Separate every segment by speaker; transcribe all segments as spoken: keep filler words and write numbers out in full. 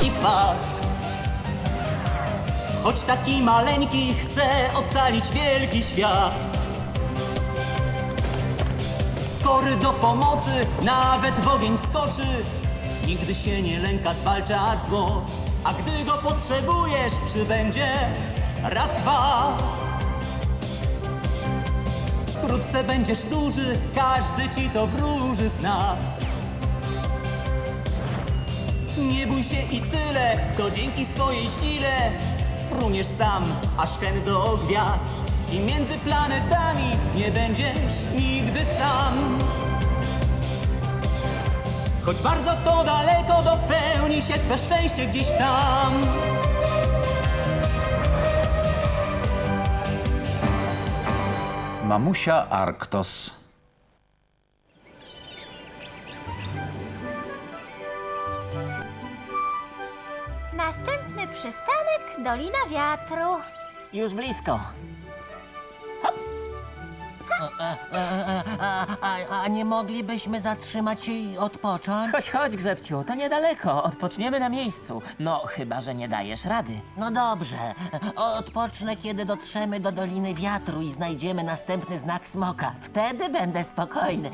Speaker 1: wielki wkład. Choć taki maleńki chce ocalić wielki świat. Skory do pomocy, nawet w ogień skoczy. Nigdy się nie lęka, zwalcza zło. A gdy go potrzebujesz, przybędzie raz, dwa. Wkrótce będziesz duży, każdy ci to wróży z nas. Nie bój się i tyle, to dzięki swojej sile fruniesz sam, aż hen do gwiazd. I między planetami nie będziesz nigdy sam. Choć bardzo to daleko, dopełni się twe szczęście gdzieś tam.
Speaker 2: Mamusia Arktos.
Speaker 3: Następny przystanek Dolina Wiatru.
Speaker 4: Już blisko.
Speaker 5: A, a, a nie moglibyśmy zatrzymać się i odpocząć?
Speaker 4: Chodź, chodź, Grzebciu, to niedaleko. Odpoczniemy na miejscu. No, chyba że nie dajesz rady.
Speaker 5: No dobrze. Odpocznę, kiedy dotrzemy do Doliny Wiatru i znajdziemy następny znak smoka. Wtedy będę spokojny.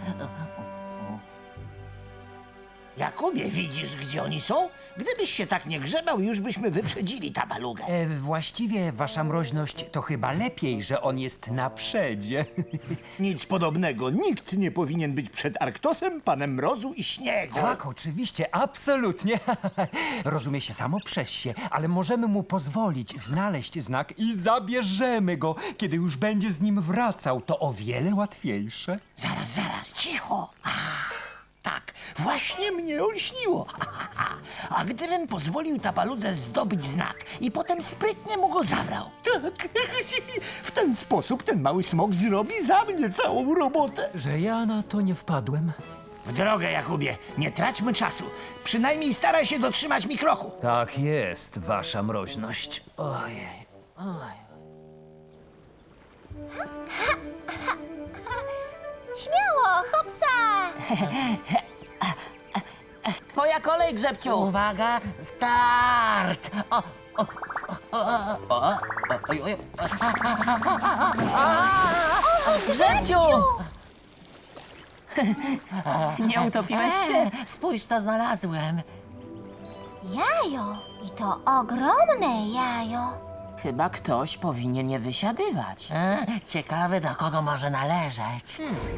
Speaker 6: Jakubie, widzisz, gdzie oni są? Gdybyś się tak nie grzebał, już byśmy wyprzedzili tabalugę.
Speaker 7: E, właściwie, wasza mroźność, to chyba lepiej, że on jest na przedzie.
Speaker 6: Nic podobnego. Nikt nie powinien być przed Arktosem, panem mrozu i śniegu.
Speaker 7: Tak, oczywiście, absolutnie. Rozumie się samo przez się, ale możemy mu pozwolić znaleźć znak i zabierzemy go. Kiedy już będzie z nim wracał, to o wiele łatwiejsze.
Speaker 6: Zaraz, zaraz, cicho. A, tak, właśnie mnie olśniło. A gdybym pozwolił tabaludze zdobyć znak i potem sprytnie mu go zabrał? Tak, w ten sposób ten mały smok zrobi za mnie całą robotę.
Speaker 7: Że ja na to nie wpadłem.
Speaker 6: W drogę, Jakubie, nie traćmy czasu. Przynajmniej staraj się dotrzymać mi kroku.
Speaker 7: Tak jest, wasza mroźność. Ojej, oj.
Speaker 3: Śmiało, hopsa!
Speaker 4: Twoja kolej, Grzebciu.
Speaker 5: Uwaga, start! O, o, o, o, o, oj, oj,
Speaker 4: Grzebciu! Nie utopiłeś się?
Speaker 5: Spójrz, co znalazłem.
Speaker 3: Jajo. I to ogromne jajo.
Speaker 4: Chyba ktoś powinien je wysiadywać.
Speaker 5: E, ciekawe, do kogo może należeć.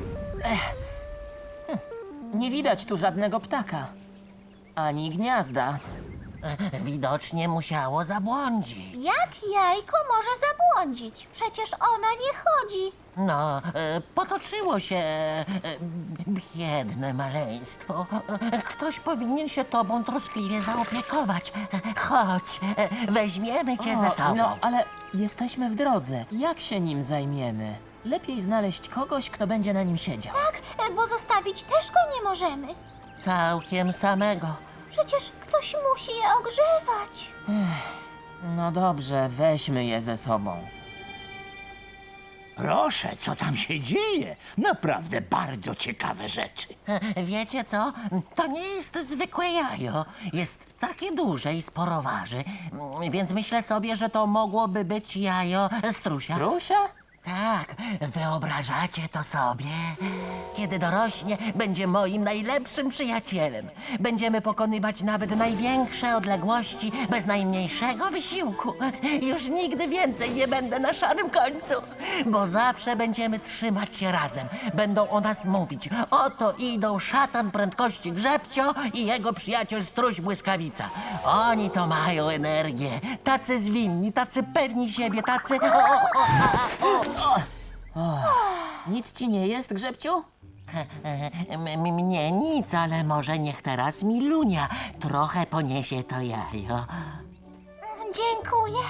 Speaker 4: Nie widać tu żadnego ptaka. Ani gniazda.
Speaker 5: E, widocznie musiało zabłądzić.
Speaker 3: Jak jajko może zabłądzić? Przecież ono nie chodzi.
Speaker 5: No, e, potoczyło się e, biedne maleństwo. E, ktoś powinien się tobą troskliwie zaopiekować. E, chodź, e, weźmiemy cię ze sobą.
Speaker 4: No, ale jesteśmy w drodze. Jak się nim zajmiemy? Lepiej znaleźć kogoś, kto będzie na nim siedział.
Speaker 3: Tak, e, bo zostawić też go nie możemy.
Speaker 5: Całkiem samego.
Speaker 3: Przecież ktoś musi je ogrzewać.
Speaker 4: No dobrze, weźmy je ze sobą.
Speaker 6: Proszę, co tam się dzieje? Naprawdę bardzo ciekawe rzeczy.
Speaker 5: E, Wiecie co? To nie jest zwykłe jajo. Jest takie duże i sporo waży, Mm, więc myślę sobie, że to mogłoby być jajo strusia.
Speaker 4: Trusia?
Speaker 5: Tak, wyobrażacie to sobie? Kiedy dorośnie, będzie moim najlepszym przyjacielem. Będziemy pokonywać nawet największe odległości bez najmniejszego wysiłku. Już nigdy więcej nie będę na szarym końcu, bo zawsze będziemy trzymać się razem. Będą o nas mówić. Oto idą szatan prędkości Grzebcio i jego przyjaciel Struś Błyskawica. Oni to mają energię. Tacy zwinni, tacy pewni siebie, tacy... O, o, o, a, o.
Speaker 4: Nic ci nie jest, Grzebciu?
Speaker 5: M- m- Mnie nic, ale może niech teraz Milunia trochę poniesie to jajo.
Speaker 3: Dziękuję.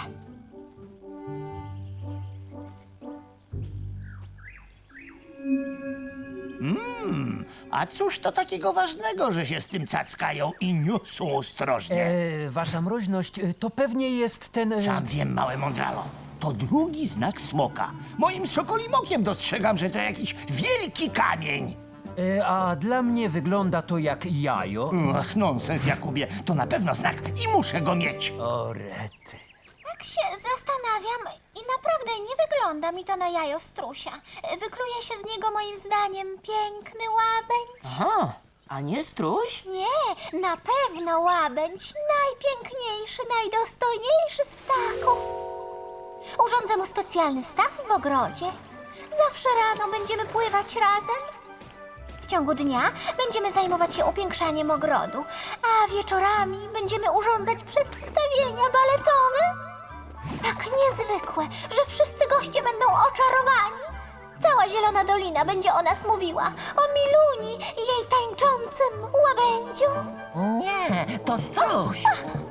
Speaker 6: A cóż to takiego ważnego, że się z tym cackają i niosą ostrożnie?
Speaker 7: E, wasza mroźność, e, to pewnie jest ten... E...
Speaker 6: Sam wiem, małe mądralo. To drugi znak smoka. Moim sokolim okiem dostrzegam, że to jakiś wielki kamień.
Speaker 7: E, a dla mnie wygląda to jak jajo.
Speaker 6: Ach, nonsens, Jakubie. To na pewno znak i muszę go mieć.
Speaker 7: O rety.
Speaker 3: Tak się zastanawiam i naprawdę nie wygląda mi to na jajo strusia. Wykluje się z niego moim zdaniem piękny łabędź.
Speaker 4: Aha, a nie struś?
Speaker 3: Nie, na pewno łabędź. Najpiękniejszy, najdostojniejszy z ptaków. Urządzę mu specjalny staw w ogrodzie. Zawsze rano będziemy pływać razem. W ciągu dnia będziemy zajmować się upiększaniem ogrodu, a wieczorami będziemy urządzać przedstawienia baletowe. Tak niezwykłe, że wszyscy goście będą oczarowani. Cała Zielona Dolina będzie o nas mówiła. O Miluni i jej tańczącym łabędziu.
Speaker 5: Nie, to struś.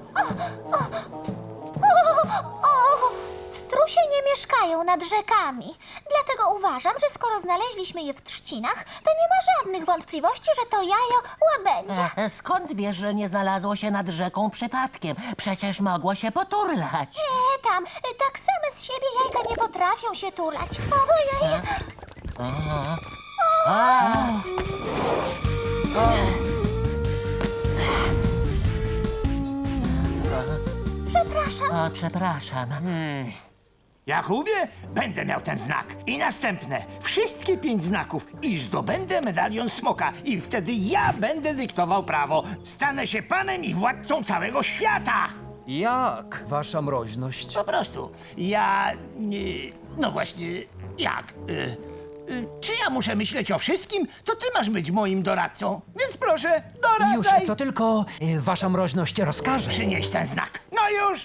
Speaker 3: O, o, strusie nie mieszkają nad rzekami. Dlatego uważam, że skoro znaleźliśmy je w trzcinach, to nie ma żadnych wątpliwości, że to jajo łabędzia.
Speaker 5: E, Skąd wiesz, że nie znalazło się nad rzeką przypadkiem? Przecież mogło się poturlać.
Speaker 3: Nie, tam, y, tak same z siebie jajka nie potrafią się tulać. Ojej, przepraszam.
Speaker 5: O, przepraszam.
Speaker 6: Jakubie, będę miał ten znak. I następne. Wszystkie pięć znaków. I zdobędę medalion smoka. I wtedy ja będę dyktował prawo. Stanę się panem i władcą całego świata.
Speaker 7: Jak, wasza mroźność?
Speaker 6: Po prostu. Ja... nie- No właśnie, jak? Y, y, czy ja muszę myśleć o wszystkim? To ty masz być moim doradcą. Więc proszę,
Speaker 7: Już,
Speaker 6: doradzaj.
Speaker 7: co tylko e, wasza mroźność rozkaże.
Speaker 6: Przynieś ten znak. No już!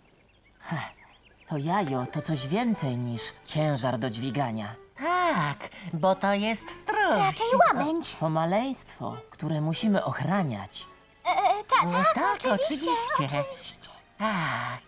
Speaker 4: To jajo to coś więcej niż ciężar do dźwigania.
Speaker 5: Tak, bo to jest struś.
Speaker 3: Raczej łabędź.
Speaker 4: To maleństwo, które musimy ochraniać.
Speaker 3: E, e, ta,
Speaker 5: No
Speaker 3: tak,
Speaker 5: tak,
Speaker 3: oczywiście,
Speaker 5: oczywiście.
Speaker 3: oczywiście.
Speaker 5: Tak.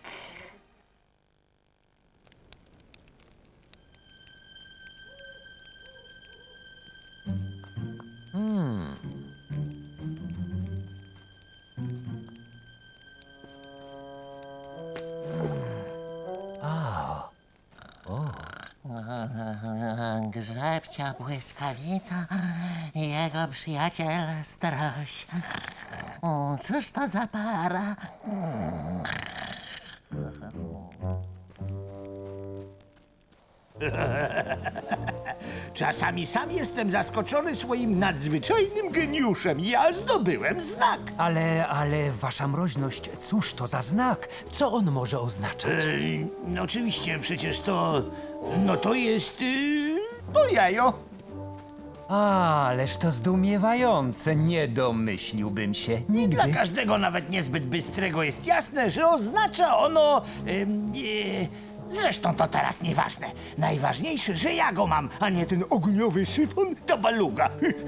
Speaker 5: Grzebcia błyskawica i jego przyjaciel Stroś. Mm, Cóż to za para?
Speaker 6: Czasami sam jestem zaskoczony swoim nadzwyczajnym geniuszem. Ja zdobyłem znak.
Speaker 7: Ale, ale wasza mroźność, cóż to za znak? Co on może oznaczać?
Speaker 6: Ej, no oczywiście, przecież to... No to jest... Yy, to jajo.
Speaker 7: A, ależ to zdumiewające, nie domyśliłbym się
Speaker 6: Dla
Speaker 7: nigdy.
Speaker 6: każdego, nawet niezbyt bystrego, jest jasne, że oznacza ono... ym, yy, zresztą to teraz nieważne. Najważniejsze, że ja go mam, a nie ten ogniowy syfon to baluga.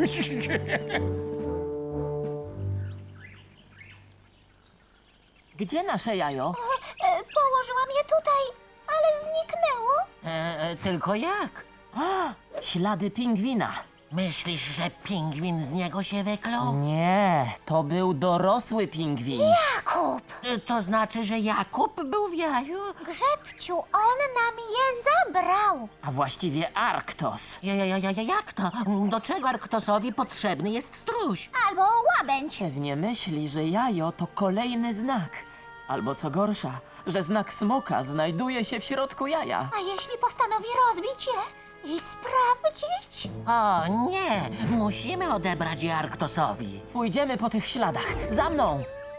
Speaker 4: Gdzie nasze jajo?
Speaker 3: E, położyłam je tutaj, ale zniknęło.
Speaker 5: E, e, tylko jak?
Speaker 4: Ślady pingwina.
Speaker 5: Myślisz, że pingwin z niego się wykluł?
Speaker 4: Nie, to był dorosły pingwin.
Speaker 3: Jakub,
Speaker 5: E, To znaczy, że Jakub był w jaju?
Speaker 3: Grzebciu, on nam je zabrał.
Speaker 4: A właściwie Arktos.
Speaker 5: Ja, ja, ja, ja, jak to? Do czego Arktosowi potrzebny jest struś?
Speaker 3: Albo łabędź.
Speaker 4: Pewnie myśli, że jajo to kolejny znak. Albo co gorsza, że znak smoka znajduje się w środku jaja.
Speaker 3: A jeśli postanowi rozbić je i sprawdzić?
Speaker 5: O nie, musimy odebrać je Arktosowi.
Speaker 4: Pójdziemy po tych śladach. Za mną!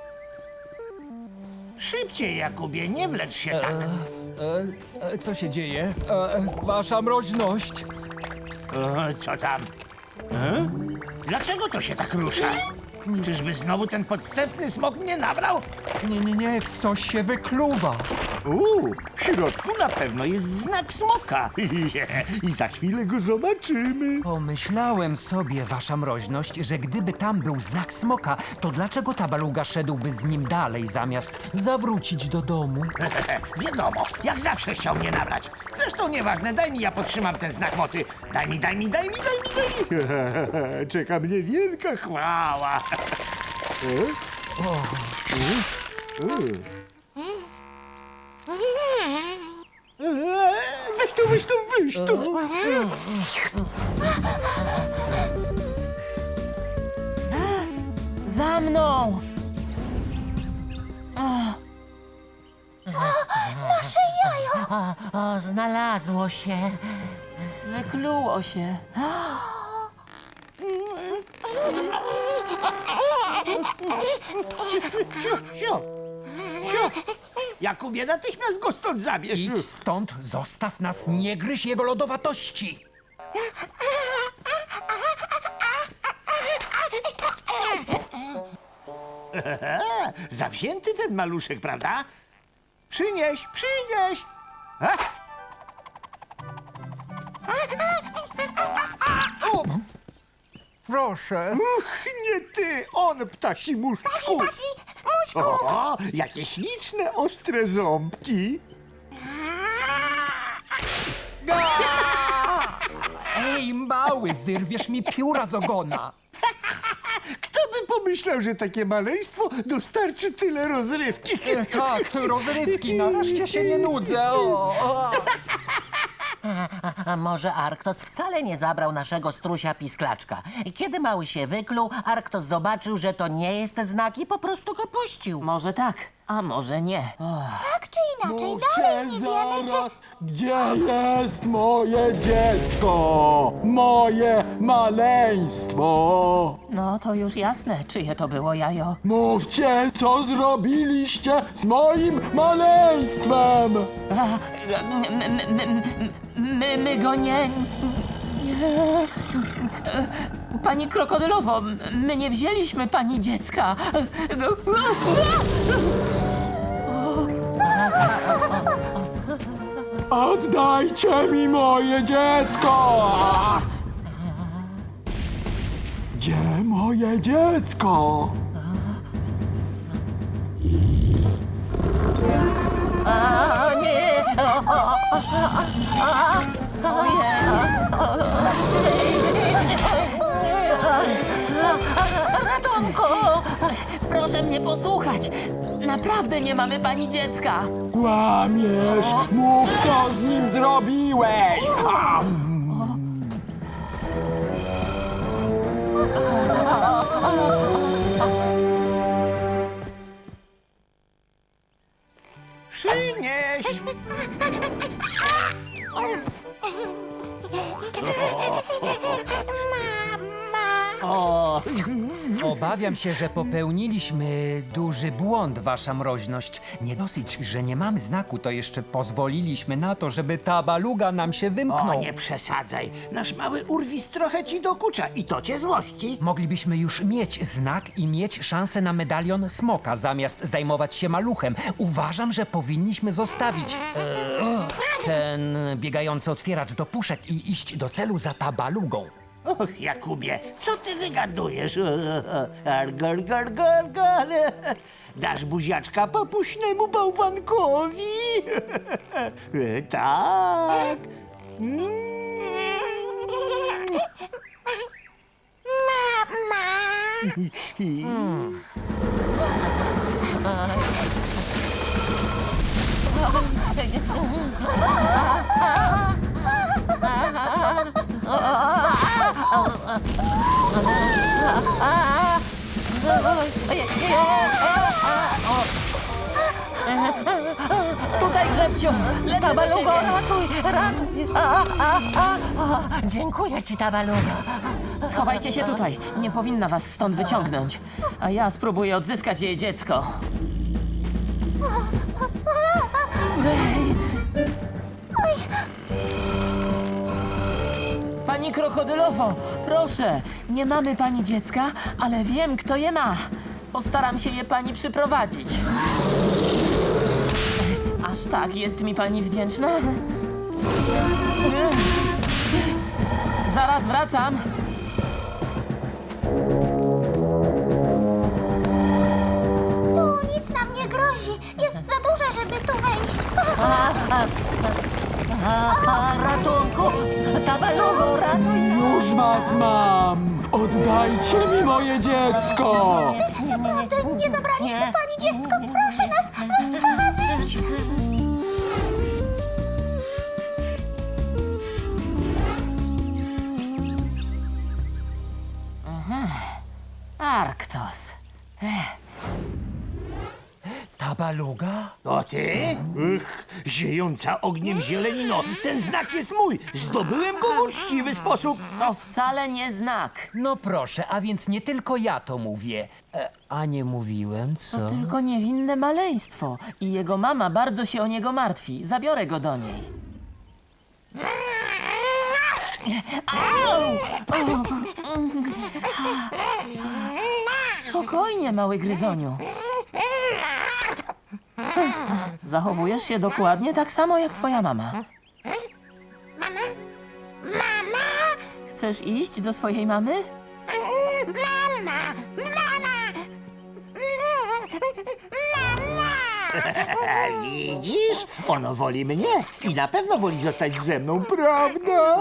Speaker 6: Szybciej, Jakubie, nie wlecz się tak.
Speaker 7: E, e, co się dzieje? E, wasza mroźność.
Speaker 6: O, co tam? E? Dlaczego to się tak rusza? Czyżby znowu ten podstępny smok mnie nabrał?
Speaker 7: Nie, nie, nie, coś się wykluwa.
Speaker 6: Uuu, w środku na pewno jest znak smoka. I za chwilę go zobaczymy.
Speaker 7: Pomyślałem sobie, wasza mroźność, że gdyby tam był znak smoka, to dlaczego ta baluga szedłby z nim dalej, zamiast zawrócić do domu?
Speaker 6: Wiadomo, jak zawsze chciał mnie nabrać. Zresztą nieważne, daj mi, ja podtrzymam ten znak mocy. Daj mi, daj mi, daj mi, daj mi, daj mi. Czeka mnie wielka chwała. Weź tu, weź tu, weź tu.
Speaker 4: Za mną!
Speaker 3: Nasze jajo!
Speaker 5: O, o, znalazło się.
Speaker 4: Wykluło się.
Speaker 6: Siu, siu. Siu. Jakubie, natychmiast go stąd zabierz.
Speaker 7: Idź stąd, zostaw nas, nie gryź jego lodowatości.
Speaker 6: Zawzięty ten maluszek, prawda? Przynieś, przynieś. A?
Speaker 7: Proszę.
Speaker 6: Uch, nie ty, on, ptasi muszczku.
Speaker 3: Pasi, muśku!
Speaker 6: O, jakie śliczne, ostre ząbki.
Speaker 7: Ej, mały, wyrwiesz mi pióra z ogona.
Speaker 6: Kto by pomyślał, że takie maleństwo dostarczy tyle rozrywki?
Speaker 7: E, tak, rozrywki, nareszcie się nie nudzę. O, o.
Speaker 5: A może Arktos wcale nie zabrał naszego strusia pisklaczka? Kiedy mały się wykluł, Arktos zobaczył, że to nie jest znak i po prostu go puścił.
Speaker 4: Może tak, a może nie. O,
Speaker 3: Tak czy inaczej, dalej nie wiemy, czy...
Speaker 2: Gdzie jest moje dziecko? Moje maleństwo?
Speaker 4: no to już jasne, czyje to było jajo.
Speaker 2: Mówcie, co zrobiliście z moim maleństwem?
Speaker 4: A, my, my, my, my, my go nie... nie. Pani krokodylowo, my nie wzięliśmy pani dziecka.
Speaker 2: Oddajcie mi moje dziecko! Gdzie moje dziecko?
Speaker 5: A nie! Ratunku!
Speaker 4: Proszę mnie posłuchać. Naprawdę nie mamy pani dziecka.
Speaker 2: Kłamiesz! Mów, co z nim zrobiłeś!
Speaker 6: Przynieś. O,
Speaker 7: Obawiam się, że popełniliśmy duży błąd, wasza mroźność. Nie dosyć, że nie mamy znaku, to jeszcze pozwoliliśmy na to, żeby ta baluga nam się
Speaker 6: o,
Speaker 7: wymknął.
Speaker 6: nie przesadzaj. Nasz mały urwis trochę ci dokucza i to cię złości.
Speaker 7: Moglibyśmy już mieć znak i mieć szansę na medalion smoka, zamiast zajmować się maluchem. Uważam, że powinniśmy zostawić e, ten biegający otwieracz do puszek i iść do celu za tabalugą.
Speaker 6: Och, Jakubie, co ty wygadujesz? Argol, gol, gol, gol. Dasz buziaczka papuśnemu bałwankowi? Tak. Mm.
Speaker 4: Tutaj, Grzebciu! Lecę do
Speaker 5: Tabalugo,
Speaker 4: ciebie.
Speaker 5: ratuj, ratuj! A, a, a, a. Dziękuję ci, Tabalugo.
Speaker 4: Schowajcie się tutaj. Nie powinna was stąd wyciągnąć. A ja spróbuję odzyskać jej dziecko. Ej. Pani krokodylowo, proszę, nie mamy pani dziecka, ale wiem, kto je ma. Postaram się je pani przyprowadzić. Aż tak jest mi pani wdzięczna? Zaraz wracam.
Speaker 3: Tu nic nam nie grozi. Jest za duża, żeby tu wejść.
Speaker 5: A, ratunku! Tabalugo, ratuj!
Speaker 2: Już was mam! Oddajcie mi moje dziecko!
Speaker 3: Naprawdę nie zabraliśmy
Speaker 5: Nie.
Speaker 3: pani dziecko. Proszę nas zostawić.
Speaker 4: Arktos.
Speaker 7: Ta baluga?
Speaker 6: To ty? Ych, ziejąca ogniem zielenino. Ten znak jest mój. Zdobyłem go w uczciwy sposób.
Speaker 4: To wcale nie znak.
Speaker 7: No proszę, a więc nie tylko ja to mówię. E, a nie mówiłem, co?
Speaker 4: To tylko niewinne maleństwo. I jego mama bardzo się o niego martwi. Zabiorę go do niej. Au! Spokojnie, mały gryzoniu. Zachowujesz się dokładnie tak samo jak twoja mama. Mama? Mama? Chcesz iść do swojej mamy?
Speaker 6: Widzisz? Ono woli mnie i na pewno woli zostać ze mną, prawda?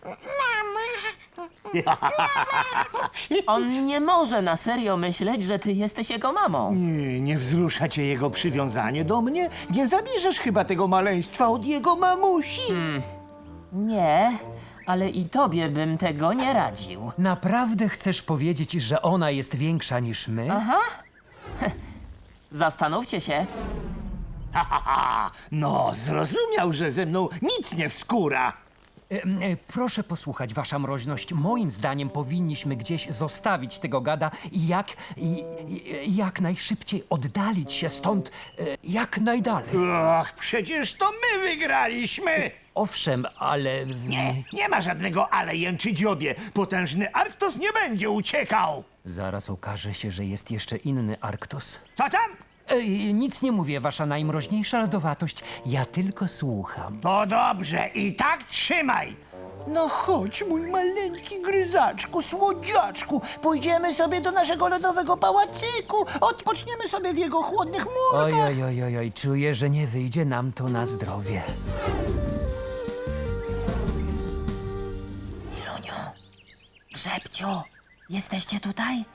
Speaker 4: On nie może na serio myśleć, że ty jesteś jego mamą.
Speaker 6: Nie, nie wzrusza cię jego przywiązanie do mnie? Nie zabierzesz chyba tego maleństwa od jego mamusi?
Speaker 4: Nie, ale i tobie bym tego nie radził.
Speaker 7: Naprawdę chcesz powiedzieć, że ona jest większa niż my?
Speaker 4: Aha. Zastanówcie się.
Speaker 6: Ha, ha, ha. No, zrozumiał, że ze mną nic nie wskóra.
Speaker 7: E, e, proszę posłuchać, wasza mroźność. Moim zdaniem powinniśmy gdzieś zostawić tego gada i jak, i, i, jak najszybciej oddalić się stąd, e, jak najdalej.
Speaker 6: Och, przecież to my wygraliśmy!
Speaker 7: Owszem, ale...
Speaker 6: Nie, nie ma żadnego ale jęczy dziobie. Potężny Arktos nie będzie uciekał.
Speaker 7: Zaraz okaże się, że jest jeszcze inny Arktos.
Speaker 6: Co tam?
Speaker 7: E, nic nie mówię, wasza najmroźniejsza lodowatość. Ja tylko słucham.
Speaker 6: To dobrze, i tak trzymaj. No chodź, mój maleńki gryzaczku, słodziaczku. Pójdziemy sobie do naszego lodowego pałacyku. Odpoczniemy sobie w jego chłodnych murach.
Speaker 7: Oj, oj, oj, oj, oj, czuję, że nie wyjdzie nam to na zdrowie.
Speaker 4: Iluniu, Grzebciu, jesteście tutaj?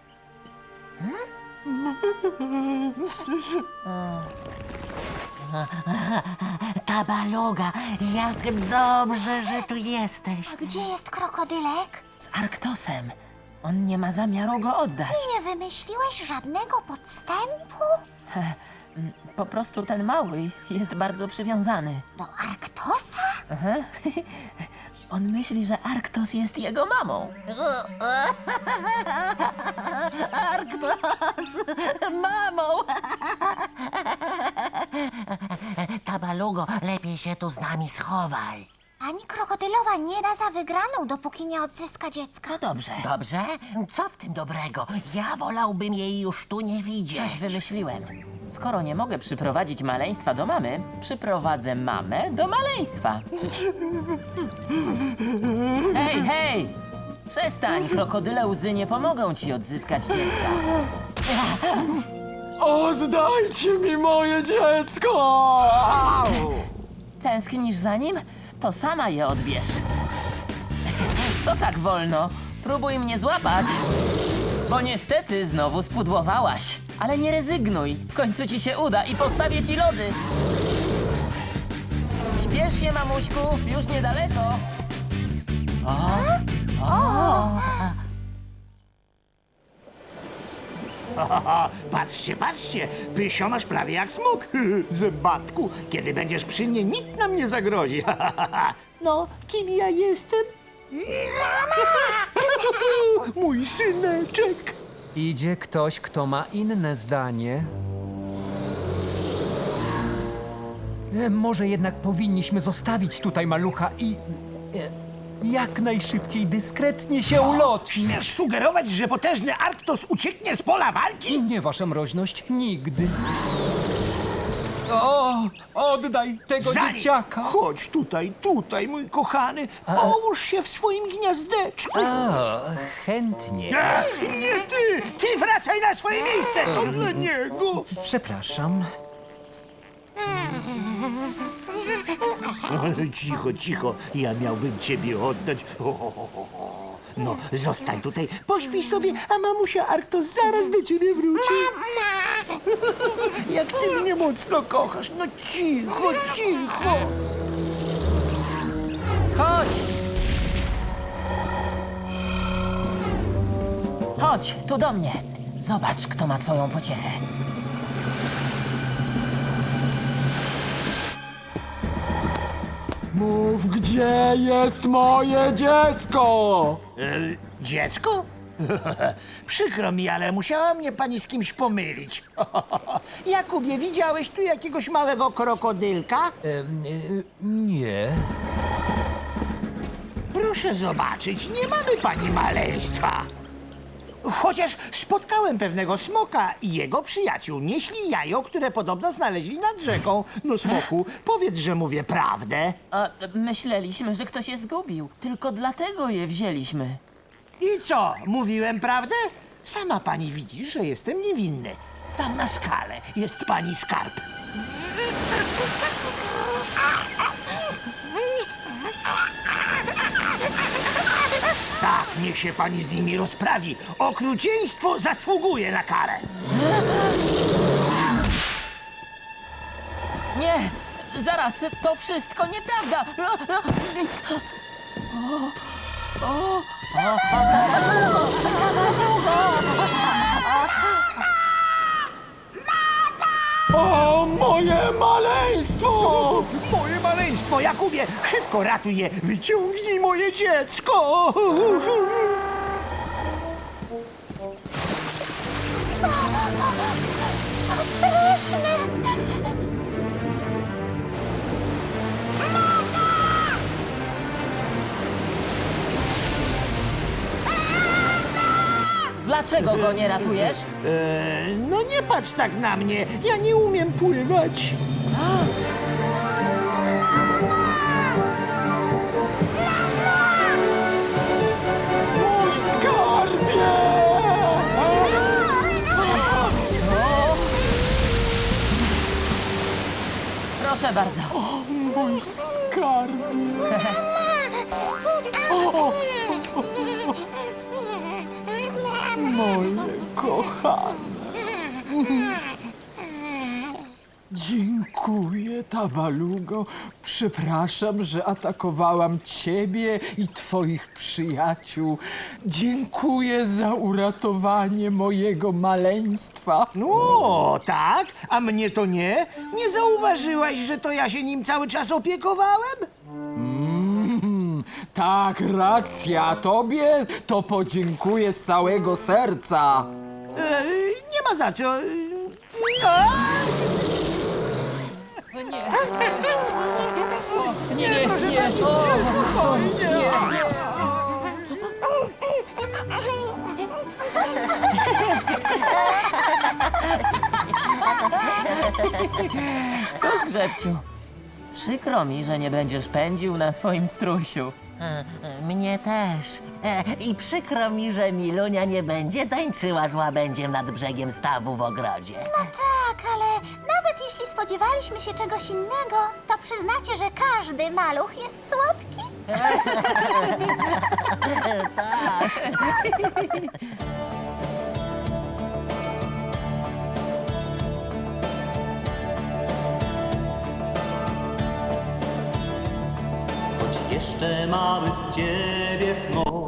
Speaker 5: Ta baluga, jak dobrze, że tu jesteś.
Speaker 3: A gdzie jest krokodylek?
Speaker 4: Z Arktosem. On nie ma zamiaru go oddać.
Speaker 3: Nie wymyśliłeś żadnego podstępu?
Speaker 4: Po prostu ten mały jest bardzo przywiązany.
Speaker 3: Do Arktosa?
Speaker 4: On myśli, że Arktos jest jego mamą.
Speaker 5: Mamo! Ta balugo, lepiej się tu z nami schowaj.
Speaker 3: Pani krokodylowa nie da za wygraną, dopóki nie odzyska dziecka.
Speaker 4: To dobrze.
Speaker 5: Dobrze? Co w tym dobrego? Ja wolałbym jej już tu nie widzieć.
Speaker 4: Coś wymyśliłem. Skoro nie mogę przyprowadzić maleństwa do mamy, przyprowadzę mamę do maleństwa. Hej, hej! Przestań, krokodyle łzy nie pomogą ci odzyskać dziecka.
Speaker 2: Oddajcie mi moje dziecko!
Speaker 4: Tęsknisz za nim? To sama je odbierz. Co tak wolno? Próbuj mnie złapać. Bo niestety znowu spudłowałaś. Ale nie rezygnuj. W końcu ci się uda i postawię ci lody. Śpiesz się, mamuśku. Już niedaleko.
Speaker 6: Patrzcie, patrzcie, Pysio masz prawie jak smok. Zębatku, kiedy będziesz przy mnie, nikt nam nie zagrozi. No, kim ja jestem? Mój syneczek.
Speaker 7: Idzie ktoś, kto ma inne zdanie. E, może jednak powinniśmy zostawić tutaj malucha i e, jak najszybciej dyskretnie się ulotnić.
Speaker 6: Śmiesz sugerować, że potężny Arktos ucieknie z pola walki?
Speaker 7: Nie, wasza mroźność, nigdy. O, oddaj tego
Speaker 6: Za nic.
Speaker 7: dzieciaka.
Speaker 6: Chodź tutaj, tutaj, mój kochany. Połóż się w swoim gniazdeczku.
Speaker 7: O, chętnie.
Speaker 6: Ach, nie ty! Ty wracaj na swoje miejsce! To dla niego!
Speaker 7: Przepraszam.
Speaker 6: Cicho, cicho. Ja miałbym ciebie oddać. O, o, o, o. No, zostań tutaj, pośpij sobie, a mamusia Arktos zaraz do ciebie wróci. Mama! Jak ty mnie mocno kochasz. No cicho, cicho.
Speaker 4: Chodź! Chodź, tu do mnie. Zobacz, kto ma twoją pociechę.
Speaker 2: Mów, gdzie jest moje dziecko?
Speaker 6: E, dziecko? Przykro mi, ale musiała mnie pani z kimś pomylić. Jakubie, widziałeś tu jakiegoś małego krokodylka?
Speaker 7: Em, e, nie.
Speaker 6: Proszę zobaczyć, nie mamy pani maleństwa. Chociaż spotkałem pewnego smoka i jego przyjaciół. Nieśli jajo, które podobno znaleźli nad rzeką. No smoku, powiedz, że mówię prawdę.
Speaker 4: A myśleliśmy, że ktoś je zgubił. Tylko dlatego je wzięliśmy.
Speaker 6: I co, mówiłem prawdę? Sama pani widzi, że jestem niewinny. Tam na skale jest pani skarb. Tak, niech się pani z nimi rozprawi. Okrucieństwo zasługuje na karę.
Speaker 4: Nie! Zaraz, to wszystko nieprawda!
Speaker 2: O, moje maleństwo!
Speaker 6: Moje maleństwo, Jakubie, szybko ratuj je. Wyciągnij moje dziecko.
Speaker 4: Dlaczego go nie ratujesz?
Speaker 6: Eee, no nie patrz tak na mnie, ja nie umiem pływać.
Speaker 2: Mój skarbie!
Speaker 4: Proszę bardzo.
Speaker 2: Mój skarbie! O, moje kochane! Dziękuję, Tabalugo. Przepraszam, że atakowałam ciebie i twoich przyjaciół. Dziękuję za uratowanie mojego maleństwa.
Speaker 6: No, tak? A mnie to nie? Nie zauważyłaś, że to ja się nim cały czas opiekowałem?
Speaker 2: Mm, tak, racja. Tobie to podziękuję z całego serca.
Speaker 6: Eee, nie ma za co. Eee, a!
Speaker 4: Nie, nie, nie. Cóż, Grzebciu, przykro mi, że nie będziesz pędził na swoim strusiu.
Speaker 5: E, e, Mnie też. E, I przykro mi, że Milunia nie będzie tańczyła z łabędziem nad brzegiem stawu w ogrodzie.
Speaker 3: No tak, ale nawet jeśli spodziewaliśmy się czegoś innego, to przyznacie, że każdy maluch jest słodki?
Speaker 1: Choć jeszcze mały z ciebie smok.